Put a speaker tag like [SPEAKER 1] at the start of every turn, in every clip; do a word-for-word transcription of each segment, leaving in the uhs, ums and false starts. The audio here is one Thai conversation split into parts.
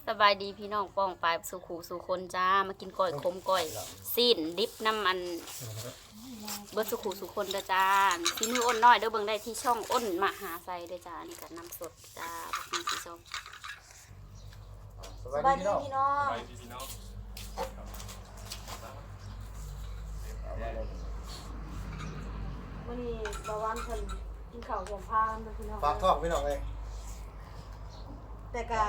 [SPEAKER 1] สบายดีพี่น้องป้องปลายสู่ขู่สู่คนจ้ามากินก้อยขมก้อยสิ้นดิบน้ำมันเบิดสู่ขู่สู่คนเด้อจ้าที่มืออ้นน้อยเด้อเบิ่งได้ที่ช่องอ้นมหาไซเด้อจ้านี่กับน้ำสดจ้าพี่ที่ช่อง
[SPEAKER 2] สบายดีพี่น้อง
[SPEAKER 3] ไปพี่น้อง
[SPEAKER 2] วันนี้บาวันเพิ่นกินข้าวสองพานนะพี่น้อง
[SPEAKER 4] ฝากท้องพี่น้องเลย
[SPEAKER 2] แต่กะ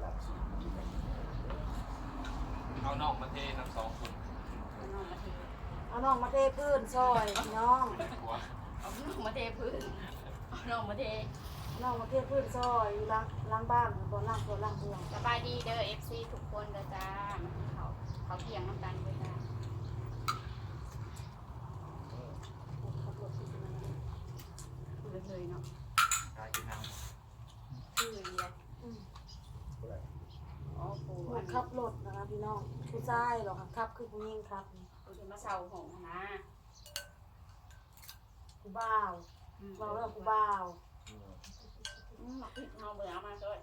[SPEAKER 3] เอานอกมาเทน้ำสองคน
[SPEAKER 1] น้องมาเท
[SPEAKER 2] เอาน้องมาเทพื้นซอยพี่น้อง
[SPEAKER 3] หัว
[SPEAKER 1] เอาน้องมาเทพื้นเอาน้องมาเท
[SPEAKER 2] น้องมาเทพื้นซอยอยู่ล้างล้างบ้านบ่ล้างตัวล้างเมือง
[SPEAKER 1] สบายดีเด้อเอฟซีทุกคนเด้อจ้ามากินข้าวเขาเที่ยงน้ำกันเด้อจ้า
[SPEAKER 2] ขับรถสิมา
[SPEAKER 1] พูดเลยเนาะ
[SPEAKER 3] กายกินน้
[SPEAKER 1] ชื่อเรียก
[SPEAKER 2] อืม
[SPEAKER 1] อ๋อปู
[SPEAKER 2] หม
[SPEAKER 1] อั
[SPEAKER 2] ด
[SPEAKER 1] น
[SPEAKER 2] ขับรถนะคะพี่น้องผู้ชายหรอกค่ะขับคือผู้หญิงครับ
[SPEAKER 1] ปูจะมาเศร้าหงนะ
[SPEAKER 2] ผู้บ่าวเราเรื่องผู้บ่าว
[SPEAKER 1] อืมหมักพริกเอาเบื่อเอามาด้วย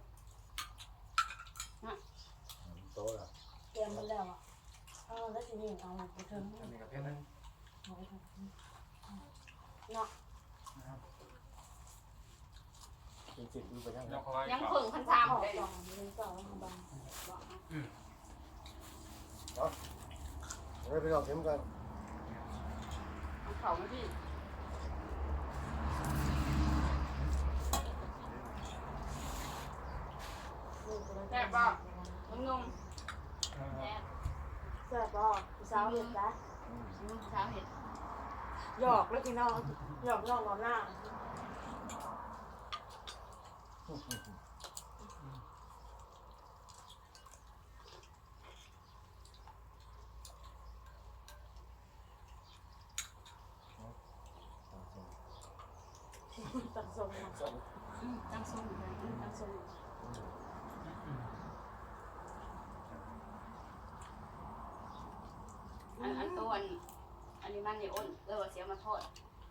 [SPEAKER 4] โตแล้ว
[SPEAKER 2] เตรียมมันแล้วอ่ะเอาแล้วทีนี้เอาไปเทิง
[SPEAKER 3] ำอันนี้กับเพื่อนนั่น
[SPEAKER 2] เอาไปเทิงเนาะ
[SPEAKER 4] กินจิตดูไปยังไง
[SPEAKER 3] แล้วเขาว่า
[SPEAKER 1] ยัง
[SPEAKER 3] เ
[SPEAKER 1] ผึ่งพันสาม
[SPEAKER 2] เอา
[SPEAKER 1] เลย
[SPEAKER 2] ต่อมันต่อมันบัง
[SPEAKER 4] เฮ้ยพี่น้องเข็มกัน
[SPEAKER 1] เอาเขามาที่
[SPEAKER 2] แซ่บป่ะ
[SPEAKER 1] มึงงงแซ่บ
[SPEAKER 2] แซ่บป่ะผู้สาวเห็ดจ้ะ
[SPEAKER 1] มึงเช้าเห็ด
[SPEAKER 2] หยอกแล้วพี่น้องหยอกน้องก่อนหน้าตัดทรงมา
[SPEAKER 1] ตั้งส้มเลยตั้งส้มอันอันตัวอันอันนี้มันเนี่ยอ้นเออเสียมาทอด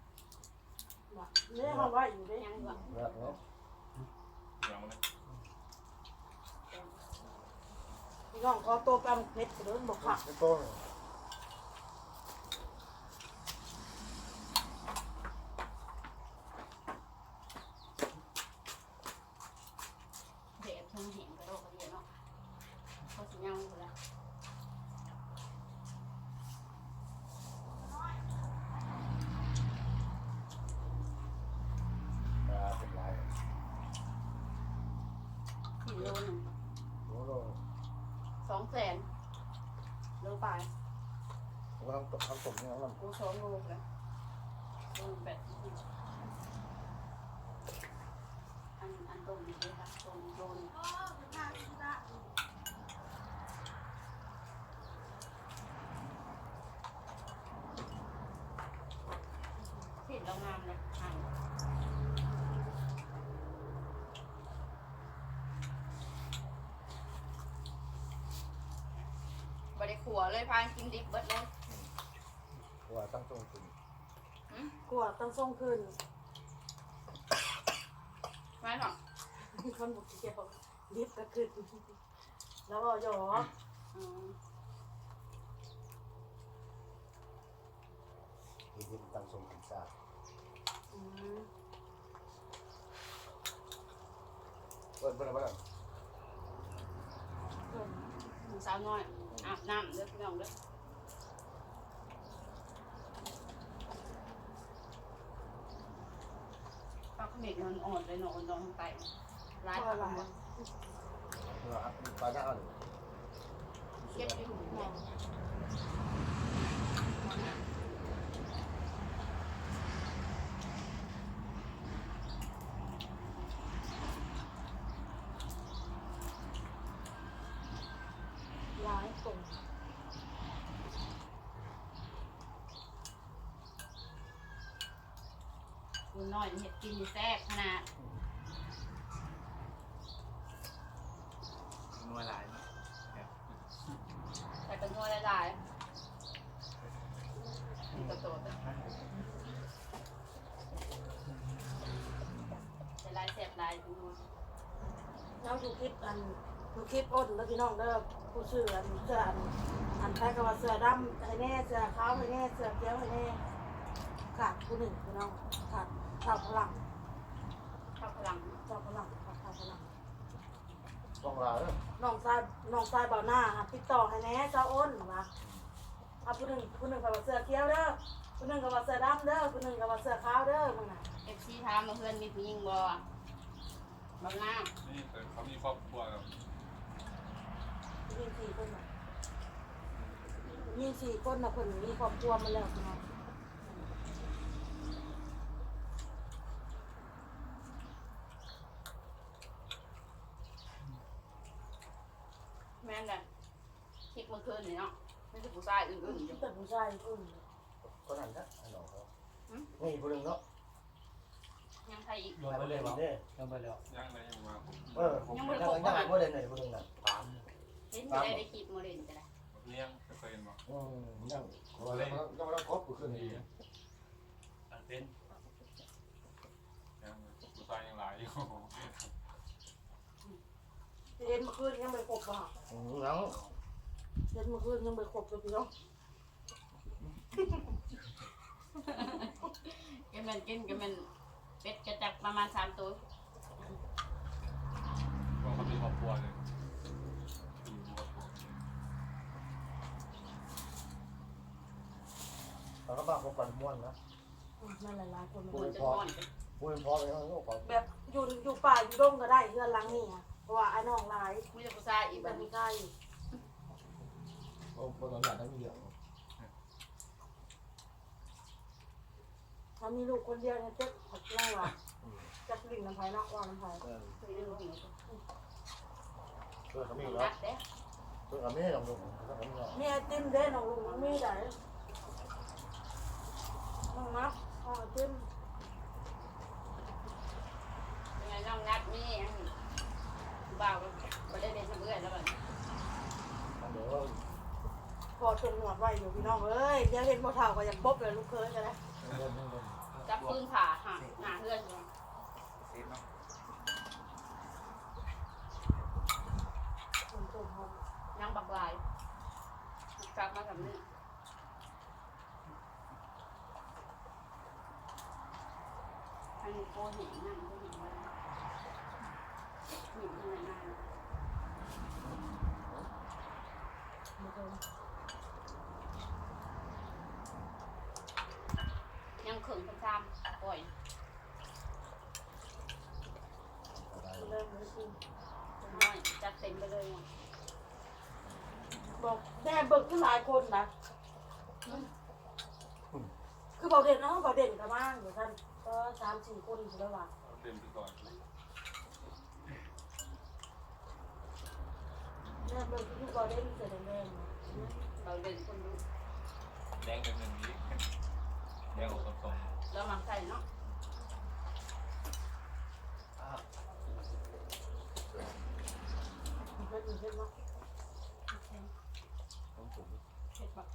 [SPEAKER 2] เนี่ยเขาว่าอยู่ได้
[SPEAKER 1] ยังแบบ
[SPEAKER 4] แบบนี้
[SPEAKER 3] ดี๋ยวนะ
[SPEAKER 2] พี่น้องขอตัวแปมเพชรเดินบอกค่ะ
[SPEAKER 4] ไม่โตเลย
[SPEAKER 1] เด็กเพิ่งเห็นกระโดดกระเดียเนาะเขาสิยังอยู่แล้ว
[SPEAKER 4] ตาเป็นลาย
[SPEAKER 1] สี่โลหนึ่ง
[SPEAKER 4] โอ้โห
[SPEAKER 1] สองแสนโลไป
[SPEAKER 4] เราทำตกทำตกเนี่ยเรา
[SPEAKER 1] กูสองโลเลยโลแปดอันอันตรงนี้เลยค่ะตรงโลนผิดเรางามเลยอ่านบริขัวเลยพานกินดิบเบิดเลย
[SPEAKER 4] ว่าตั้งตรงจริง
[SPEAKER 2] กลัวต้องส่งคืน
[SPEAKER 1] ไม่หรอก
[SPEAKER 2] คนบุกเกี่ยวรีบก็คืนแล้วก็หยอก
[SPEAKER 1] อืม
[SPEAKER 4] กินดิบตั้งทรงกินซา
[SPEAKER 2] อืม
[SPEAKER 4] เปิดเปิดอะไรบ้าง
[SPEAKER 1] หนูสาวน้อยอาบน้ำเด้อพี่น้องเด้อปลาเขม็ดมันอ่อนเลยเนาะอ่อนนอนไปร้าย
[SPEAKER 2] พ
[SPEAKER 1] ป
[SPEAKER 2] อ
[SPEAKER 1] ลา
[SPEAKER 2] ละ
[SPEAKER 1] หมด
[SPEAKER 4] เราปลาหน้าอ่อน
[SPEAKER 1] เก็บอยู่แม่
[SPEAKER 2] ร้ายตรง
[SPEAKER 1] คุณน้อยเห็ดกินนี่แซ่บขนาด
[SPEAKER 3] นัวหลาย
[SPEAKER 1] ใส่เป็นนัวหลายๆนี่กระโดดอะใส่ลายแซ่บลายดู
[SPEAKER 2] เราดูคลิปอันดูคลิปอ้นแล้วพี่น้องเด้อผู้เสื้ออันเสื้ออันอันใครก็ว่าเสื้อดำให้แน่เสื้อขาวให้แน่เสื้อเขียวให้แน่ขาดผู้หนึ่งพี่น้องขาดขาดพลัง
[SPEAKER 1] เข้าพลัง
[SPEAKER 2] ขาดพลังขาดขาดพลัง
[SPEAKER 4] ต้องลาเด้อ
[SPEAKER 2] น้องชายน้องชายเบาหน้าติดต่อให้แน่เจ้าอ้นว่าเอาผู้หนึ่งผู้หนึ่งก็ว่าเสื้อเขียวเด้อผู้หนึ่งก็ว่าเสื้อดำเด้อผู้หนึ่งก็ว่าเสื้อขาวเด้อมึงน่ะ
[SPEAKER 1] เอฟซีถามมาเพื่อนมีผู้หญิงบ่บ่งาม
[SPEAKER 3] นี่เป็นเขามีครอบครัวกับ
[SPEAKER 2] ยิงสี่คนน่ะยิงสี่คนน่ะคนมีครอบครัวมาแล้วพี่น้อง
[SPEAKER 1] แม่นกันคลิปเมื่อคืนนี่เนาะไม่ใช่ผู้ชายอื่นๆอยู่
[SPEAKER 2] แต่ผู้ชายคน
[SPEAKER 4] ก็นั่นนะไอ้น้องเขานี่ผู้หนึงเนาะ
[SPEAKER 1] ยังใครอีก
[SPEAKER 5] ลงไปเลย
[SPEAKER 4] เด้อ
[SPEAKER 5] ลงไปแล้ว
[SPEAKER 3] ย่างไหนยังมา
[SPEAKER 4] เออยังยังยังบ่ได้ไหนผู้หนึงน่ะถาม
[SPEAKER 1] เห็นอยู่ได้ได้คลิปโมเดลจะได้
[SPEAKER 3] เลี้ยงเคยเห็นบ่
[SPEAKER 4] อืมยังบ่ได้ยังบ่ได้ครบผู้ขึ้นนี่
[SPEAKER 5] อันเป็น
[SPEAKER 3] ยังผู้ชายยังหลายอยู่
[SPEAKER 2] เห็นเมื่อคืนยังไม่ครบป่ะ
[SPEAKER 4] อืมยัง
[SPEAKER 2] เห็นเมื่อคืนยังไม่ครบเลยพี่น้อง
[SPEAKER 1] แกมันกินแกมันเป็ดกระจับประมาณสามตัว
[SPEAKER 3] ก็เขามีครอบครัวเลยอยู่ครอบครัว
[SPEAKER 4] เขาก็บ้าเขาปั่นม่วนนะ
[SPEAKER 2] นั่นหลายๆคน
[SPEAKER 1] ควรจะนอน
[SPEAKER 4] พูดพอไปเขาก็ขอ
[SPEAKER 2] แบบอยู่อยู่ป่าอยู่ดงก็ได้เพื่อนหลังนี่อ่ะเพราะว่าไอ้น้องหลาย
[SPEAKER 1] มีแต่ผู้ชายอีก
[SPEAKER 2] แบ
[SPEAKER 1] แบบ บ
[SPEAKER 2] มี
[SPEAKER 1] นี้
[SPEAKER 2] ใกล้
[SPEAKER 4] โอ้คนหลานได้มีเดียว
[SPEAKER 2] ถ้ามีลูกคนเดียวเนี่ยเจ๊ผัดไล่ว่ะจักลิ่งน้ำไผ่เนาะว่าน้ำไผ่
[SPEAKER 4] เออ
[SPEAKER 1] เคยดูหนู
[SPEAKER 4] เพื่อนเขามี
[SPEAKER 1] นั
[SPEAKER 4] เนาะ
[SPEAKER 1] ดเด้
[SPEAKER 4] เพื่อนเขามีลองดูเขามีเนาะ
[SPEAKER 2] มีไอติมเด้น้องลุงมันมีได้น้องนับเอาไอติม
[SPEAKER 1] ยังไงน้องนัดนี่บ่าวก็ได้เรียนทำเอื้อนแล้วแบบ
[SPEAKER 4] เดี๋ยว
[SPEAKER 2] พอจนหนวดไว้อยู่พี่น้องเอ้ยเดี๋ยวเห็นบ่เท่าก็อยากบ๊บเลยลูกเคยกันเลย
[SPEAKER 4] เล่นเล่นเล่น
[SPEAKER 1] จับปืนผ่าหาหาเพื่อนอยู่
[SPEAKER 3] เซ็ตเนาะ
[SPEAKER 2] ผมจนหอม
[SPEAKER 1] นั่งบักลายกลับมากับนี่อันนี้โคเห็นนั่งก็เห็นว่าเห็นยังไงนั่ง
[SPEAKER 2] ไม่เคย
[SPEAKER 1] ยังเขินซ้ำๆปล่อย
[SPEAKER 2] เริ่มเลยสิ
[SPEAKER 1] น้อยจัดเต็มไปเลยอ่ะ
[SPEAKER 2] บอกแม่เบิกขึ้นหลายคนนะคือเบาเด่นเนาะเบาเด่นกับบ้างเดี๋ยวท่านก็สามสี่คนอยู่แล้วว่ะ
[SPEAKER 3] เต็มไปก่อน
[SPEAKER 2] แม่เบิกคือเบาเด่นเสร็จแดง
[SPEAKER 1] เราเดินคนดู
[SPEAKER 3] แดงเป็นหนึ่งนี้แดงออกสอง
[SPEAKER 1] เรามาใส่เนาะ
[SPEAKER 2] ๆเผ็ดเผ็ดเนาะ
[SPEAKER 4] ต้องถูก
[SPEAKER 1] เผ็ดปะ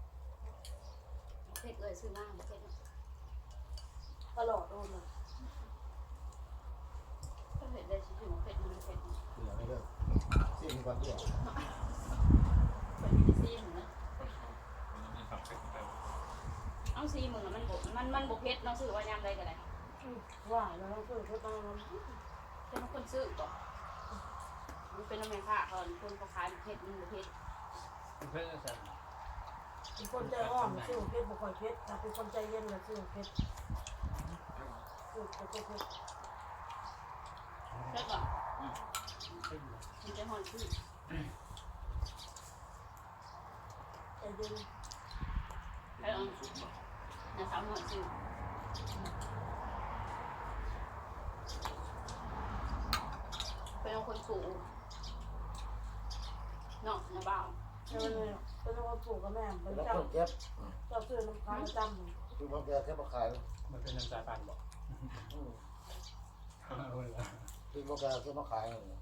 [SPEAKER 1] เผ็ดเลยซื้อมาเผ็ด
[SPEAKER 2] ตลอดโดนเลย
[SPEAKER 1] ก็เผ็ดเลยชิวเผ็ดมันเผ็ด
[SPEAKER 4] คืออย่างนี้เด้อสิ่งก่อนเดียว
[SPEAKER 1] เผ็ดมีซีมึงนะ
[SPEAKER 3] มันมีความเผ็ดแต่
[SPEAKER 1] เอาซีมึงมันบมันมันบกเผ็ดน้องซื้อว่ายำได้ก็ได้
[SPEAKER 2] ว่าแล้วเราเพิ่งเพิ่งต้อง
[SPEAKER 1] เป็นคนซื้อก่อนมันเป็นน้ำมันค่ะก่อนคนเขาขายเผ็ดมันบกเผ็ด
[SPEAKER 5] เพื่อนสั่น
[SPEAKER 2] เป็นคนใจอ่อนซื้อเผ็ดบุคคลเผ็ดแต่เป็นคนใจเย็นเลยซื้อเผ็ดซื้อเผ็ดเผ็ด
[SPEAKER 1] เผ็ดก่อนมันจะหอนซื้อ
[SPEAKER 2] ใจเย็น
[SPEAKER 1] แล้วนะสาวหอนซื้อเป็นคนสูงเนาะนะบ่าว
[SPEAKER 2] เออเลยเป็นคนปลูกกับแม่เป็น
[SPEAKER 4] แล้ว
[SPEAKER 2] เจ้า
[SPEAKER 4] คนเจ็บ
[SPEAKER 2] เจ้าซื้อน้ำค้างจำ
[SPEAKER 4] คือคนแก่แค่มาขาย
[SPEAKER 5] มันเป็นน้ำตาปันบอก
[SPEAKER 4] อืม
[SPEAKER 5] เอาเลยละ
[SPEAKER 4] คือคนแก่แค่มาขาย
[SPEAKER 1] อ๋อเนี่ยนะ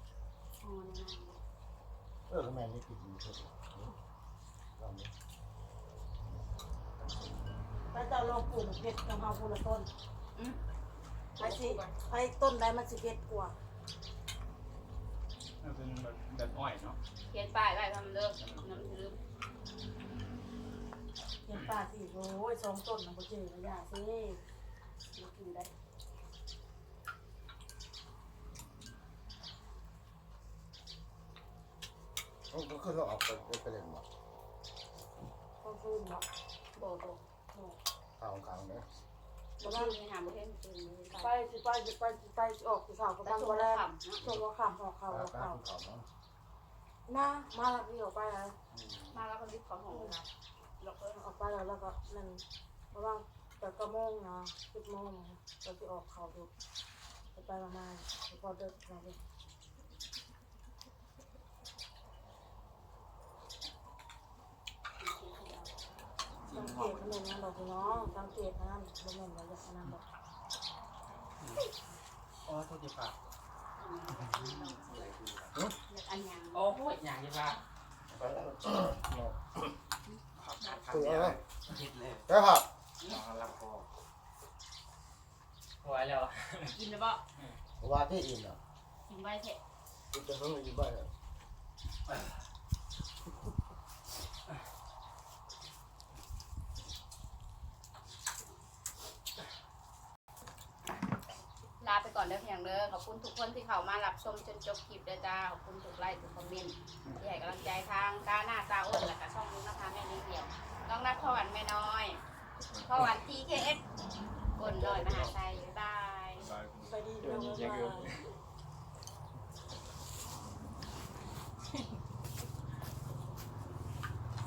[SPEAKER 4] เออแม่นี่กินอยู่เถอะลองดู
[SPEAKER 2] แล้วเจ้าลองปลูกเผ็ดกับเฮาคนละต้น
[SPEAKER 1] อืม
[SPEAKER 2] ไปสิไปต้นใดมันสิเผ็ดกว่า
[SPEAKER 5] อมันเป็นแบบแบบอ้อยเนาะ
[SPEAKER 1] เขียนป้ายไว้ทำเลิกน้ำลืม
[SPEAKER 2] เห็นป่าสิโอ้ยสองต้นนะบ่เจอระยะสิ
[SPEAKER 1] มากินได้
[SPEAKER 4] เขาก็คือเราออกไปไปเล่นบ่
[SPEAKER 2] ก็คืนเนาะ
[SPEAKER 1] โบโบ
[SPEAKER 4] ข้าวกลางเนี่ย
[SPEAKER 1] บ่ว่ามีหาบ่เห็นตื่นเลย
[SPEAKER 2] ไปสิไปสิไปสิไปสิออกสิสาวกับ
[SPEAKER 1] แต่
[SPEAKER 2] บาง
[SPEAKER 1] ตัว
[SPEAKER 2] วัน
[SPEAKER 1] ละ
[SPEAKER 2] แรก
[SPEAKER 1] คำเนาะ
[SPEAKER 2] ส่งว่าขำหอกเขาหอก
[SPEAKER 4] ข้า
[SPEAKER 2] เขา
[SPEAKER 4] วข้าวเนาะ
[SPEAKER 2] มามาแล้วนี่ออกไปแล้ว
[SPEAKER 1] มาแล้วก็รีบของของเราเราก็
[SPEAKER 2] ออกไปแล้วแล้วก็นั่นเพราะว่าแต่ก็โมงนะสิบโมงเราจะออกเขาดูไปไปมามาพอเดินมาเลยสังเกตมันนั่นดอกน้องสังเกตนั่นบ่แม่นว่าอย่างนั้นดอก
[SPEAKER 5] อ๋อโทษทีป่ะ
[SPEAKER 1] อันยัง
[SPEAKER 5] โอ้โหอย่างนี้ป่ะ
[SPEAKER 4] ไปแล้ว
[SPEAKER 5] คืออะไรคิดเลย
[SPEAKER 4] ไปครับ
[SPEAKER 5] มาลับคอไว้แล้ว
[SPEAKER 1] กินแล้วบ่
[SPEAKER 4] ว่าที่อินอ่ะ
[SPEAKER 1] กินไว้เถอะ
[SPEAKER 4] คุณจะต้องอยู่บ้าน
[SPEAKER 1] ลาไปก่อนเด้อเพียงเด้อขอบคุณทุกคนที่เข้ามารับชมจนจบคลิปเด้อจ้าขอบคุณทุกไลค์ทุกคอมเมนต์ที่ให้กำลังใจทางก้าหน้าตาอ้นและก็ช่องนู้นนะคะแม่นี้เดียวน้องนัทพ่อหวันแม่น้อยพ่อหวัน ที เค เอส กลน้อยมหาชัยบ๊ายบาย
[SPEAKER 3] บาย
[SPEAKER 2] ไปดีเรื่องมา